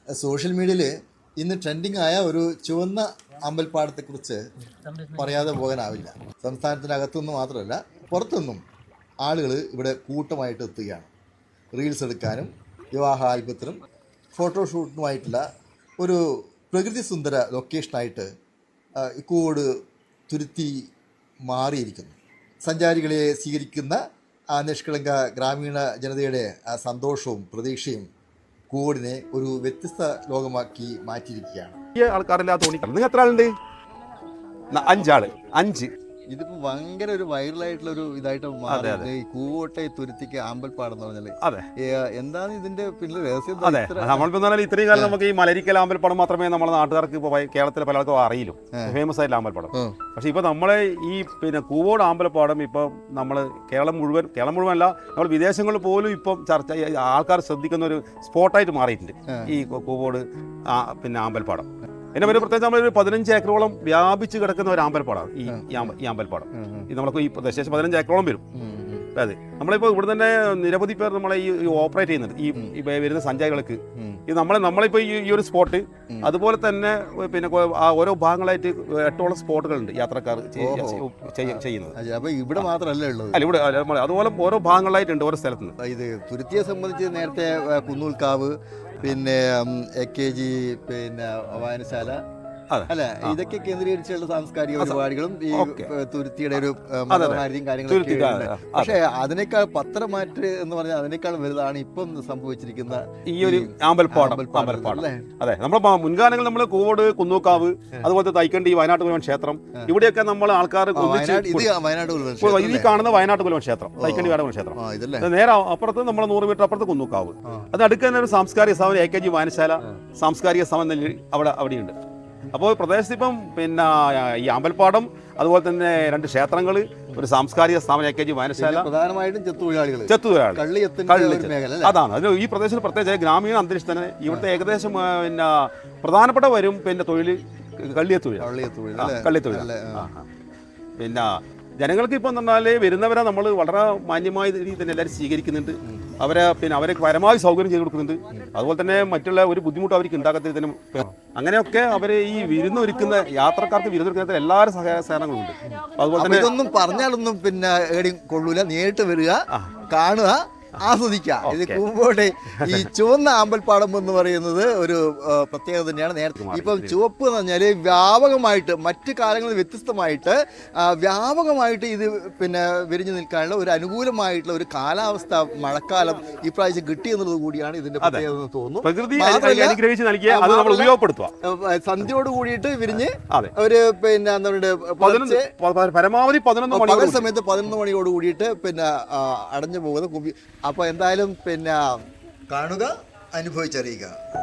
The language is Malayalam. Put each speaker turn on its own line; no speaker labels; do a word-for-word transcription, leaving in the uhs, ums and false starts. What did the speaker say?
സോഷ്യൽ മീഡിയയിൽ ഇന്ന് ട്രെൻഡിങ് ആയ ഒരു ചുവന്ന അമ്പൽപ്പാടത്തെക്കുറിച്ച് പറയാതെ പോകാനാവില്ല. സംസ്ഥാനത്തിനകത്തുനിന്ന് മാത്രമല്ല പുറത്തുനിന്നും ആളുകൾ ഇവിടെ കൂട്ടമായിട്ട് എത്തുകയാണ്. റീൽസ് എടുക്കാനും വിവാഹ ആൽബത്തിനും ഫോട്ടോഷൂട്ടിനുമായിട്ടുള്ള ഒരു പ്രകൃതി സുന്ദര ലൊക്കേഷനായിട്ട് കൂവോട് തുരുത്തി മാറിയിരിക്കുന്നു. സഞ്ചാരികളെ സ്വീകരിക്കുന്ന ആ നിഷ്കളങ്ക ഗ്രാമീണ ജനതയുടെ ആ സന്തോഷവും പ്രതീക്ഷയും കൂവോടിനെ ഒരു വ്യത്യസ്ത ലോകമാക്കി മാറ്റിയിരിക്കുകയാണ്.
ഈ ആൾക്കാരെല്ലാം തോന്നിക്കണം. നിങ്ങൾ എത്ര ആളുണ്ട്? അഞ്ചാള്. അഞ്ച്
ഇതിപ്പോ ഭയങ്കര ഒരു വൈറലായിട്ടുള്ള ഒരു ഇതായിട്ട് മാറി. ഈ കൂവോട്ടെ തുരുത്തിക്ക് ആമ്പൽപ്പാടം എന്ന് പറഞ്ഞാല്
അതെ
എന്താണ് ഇതിന്റെ പിന്നെ രഹസ്യം?
അതെ, നമ്മളിപ്പോ പറഞ്ഞാൽ ഇത്രയും കാലം നമുക്ക് ഈ മലരിക്കൽ ആമ്പൽപ്പാടം മാത്രമേ നമ്മുടെ നാട്ടുകാർക്ക് ഇപ്പോൾ കേരളത്തിലെ പല ആൾക്കും അറിയില്ലൂ, ഫേമസ് ആയിട്ടുള്ള ആമ്പൽപ്പാടം. പക്ഷെ ഇപ്പൊ നമ്മളെ ഈ പിന്നെ കൂവോട് ആമ്പൽപ്പാടം ഇപ്പൊ നമ്മള് കേരളം മുഴുവൻ കേരളം മുഴുവൻ അല്ല, നമ്മൾ വിദേശങ്ങളിൽ പോലും ഇപ്പം ചർച്ച ആൾക്കാർ ശ്രദ്ധിക്കുന്ന ഒരു സ്പോട്ടായിട്ട് മാറിയിട്ടുണ്ട് ഈ കൂവോട് പിന്നെ ആമ്പൽപ്പാടം. എന്നെ പേര് പ്രത്യേകിച്ച് നമ്മളൊരു പതിനഞ്ച് ഏക്കറോളം വ്യാപിച്ച് കിടക്കുന്ന ഒരു ആമ്പൽപ്പാടമാണ് ഈ ഈ ആമ്പൽപ്പാടം. ഇത് നമുക്ക് ഈ പ്രദേശം പതിനഞ്ച് ഏക്കറോളം വരും. അതെ, നമ്മളിപ്പോൾ ഇവിടെ തന്നെ നിരവധി പേർ നമ്മളെ ഈ ഓപ്പറേറ്റ് ചെയ്യുന്നുണ്ട് ഈ വരുന്ന സഞ്ചാരികൾക്ക്. ഇത് നമ്മളെ നമ്മളിപ്പോൾ ഈ ഒരു സ്പോട്ട് അതുപോലെ തന്നെ പിന്നെ ഓരോ ഭാഗങ്ങളായിട്ട് എട്ടോളം സ്പോട്ടുകളുണ്ട് യാത്രക്കാർ ചെയ്യുന്നത്.
അപ്പോൾ ഇവിടെ മാത്രമല്ല ഉള്ളത്,
അല്ല ഇവിടെ അതുപോലെ ഓരോ ഭാഗങ്ങളായിട്ടുണ്ട് ഓരോ സ്ഥലത്തുനിന്ന്.
ഇത് തുരുത്തിയെ സംബന്ധിച്ച് നേരത്തെ കുന്നൂൽക്കാവ്, പിന്നെ എ കെ ജി, പിന്നെ വായനശാല, അല്ല ഇതൊക്കെ കേന്ദ്രീകരിച്ചുള്ള സാംസ്കാരിക പരിപാടികളും ഈ തുരുത്തിയുടെ ഒരു മനോഹാരിതയും കാര്യങ്ങളൊക്കെ. പക്ഷേ അതിനേക്കാൾ പത്രമാറ്റ് എന്ന് പറഞ്ഞാൽ അതിനേക്കാൾ വലുതാണ് ഇപ്പം സംഭവിച്ചിരിക്കുന്ന
ഈ ഒരു ആമ്പൽപ്പാടം. അതെ, നമ്മുടെ മുൻകാലങ്ങളിൽ നമ്മൾ കൂവോട്, കുന്നൂക്കാവ്, അതുപോലത്തെ തൈക്കണ്ടി, വയനാട്ട് കുലവൻ ക്ഷേത്രം, ഇവിടെയൊക്കെ നമ്മൾ ആൾക്കാർ ഈ കാണുന്ന വയനാട്ട് കുലവൻ ക്ഷേത്രം, തൈക്കണ്ടി വയനാട് ക്ഷേത്രം, നേരെ അപ്പുറത്ത് നമ്മൾ നൂറ് മീറ്റർ അപ്പുറത്ത് കുന്നൂക്കാവ്. അത് അടുക്കുന്ന ഒരു സാംസ്കാരിക സ്ഥാപനം എ കെ ജി വായനശാല സാംസ്കാരിക സ്ഥാപനം അവിടെ അവിടെയുണ്ട്. അപ്പോൾ പ്രദേശത്ത് ഇപ്പം പിന്നെ ഈ അമ്പൽപ്പാടം, അതുപോലെ തന്നെ രണ്ട് ക്ഷേത്രങ്ങൾ, ഒരു സാംസ്കാരിക സ്ഥാപനം എ കെ ജി വായനശാല,
പ്രധാനമായിട്ടും ചെത്തുതൊഴിലാളികൾ
ചെത്തുതൊഴിലാളികൾ അതാണ്. അതിന് ഈ പ്രദേശത്ത് പ്രത്യേകിച്ച് ഗ്രാമീണ അന്തരീക്ഷത്തിന് ഇവിടുത്തെ ഏകദേശം പിന്നെ പ്രധാനപ്പെട്ട വരും പിന്നെ തൊഴിൽ കള്ളിയത്തൊഴിൽ കള്ളിയത്തൊഴിൽ പിന്നെ ജനങ്ങൾക്ക് ഇപ്പം എന്ന് പറഞ്ഞാൽ വരുന്നവരെ നമ്മൾ വളരെ മാന്യമായ രീതിയിൽ തന്നെ എല്ലാവരും സ്വീകരിക്കുന്നുണ്ട്. അവരെ പിന്നെ അവരെ പരമാവധി സൗകര്യം ചെയ്ത് കൊടുക്കുന്നുണ്ട്. അതുപോലെ തന്നെ മറ്റുള്ള ഒരു ബുദ്ധിമുട്ട് അവർക്ക് ഉണ്ടാക്കത്തിൽ തന്നെ അങ്ങനെയൊക്കെ അവരെ ഈ വിരുന്നൊരുക്കുന്ന യാത്രക്കാർക്ക് വിരുന്നൊരുക്കുന്ന എല്ലാവരും സഹായ സഹകരണങ്ങളുണ്ട്. അതുപോലെ തന്നെ
ഇതൊന്നും പറഞ്ഞാലൊന്നും പിന്നെ എവിടെയും കൊള്ളൂല, നേരിട്ട് വരിക, കാണുക, ആസ്വദിക്കാം. ഇത് കൂവോട് ഈ ചുവന്ന ആമ്പൽപ്പാടം എന്ന് പറയുന്നത് ഒരു പ്രത്യേകത തന്നെയാണ്. നേരത്തെ ഇപ്പം ചുവപ്പ് എന്ന് പറഞ്ഞാൽ വ്യാപകമായിട്ട് മറ്റു കാലങ്ങളിൽ വ്യത്യസ്തമായിട്ട് വ്യാപകമായിട്ട് ഇത് പിന്നെ വിരിഞ്ഞു നിൽക്കാനുള്ള ഒരു അനുകൂലമായിട്ടുള്ള ഒരു കാലാവസ്ഥ മഴക്കാലം ഇപ്രാവശ്യം കിട്ടി എന്നുള്ളത് കൂടിയാണ് ഇതിന്റെ പ്രത്യേകത എന്ന് തോന്നുന്നു. സന്ധ്യയോട് കൂടിയിട്ട് വിരിഞ്ഞ് ഒരു പിന്നെ എന്താ പറയുക
പരമാവധി
പകൽ സമയത്ത് പതിനൊന്ന് മണിയോട് കൂടിയിട്ട് പിന്നെ അടഞ്ഞു പോകുന്ന. അപ്പോൾ എന്തായാലും പിന്നെ കാണുക, അനുഭവിച്ചറിയുക.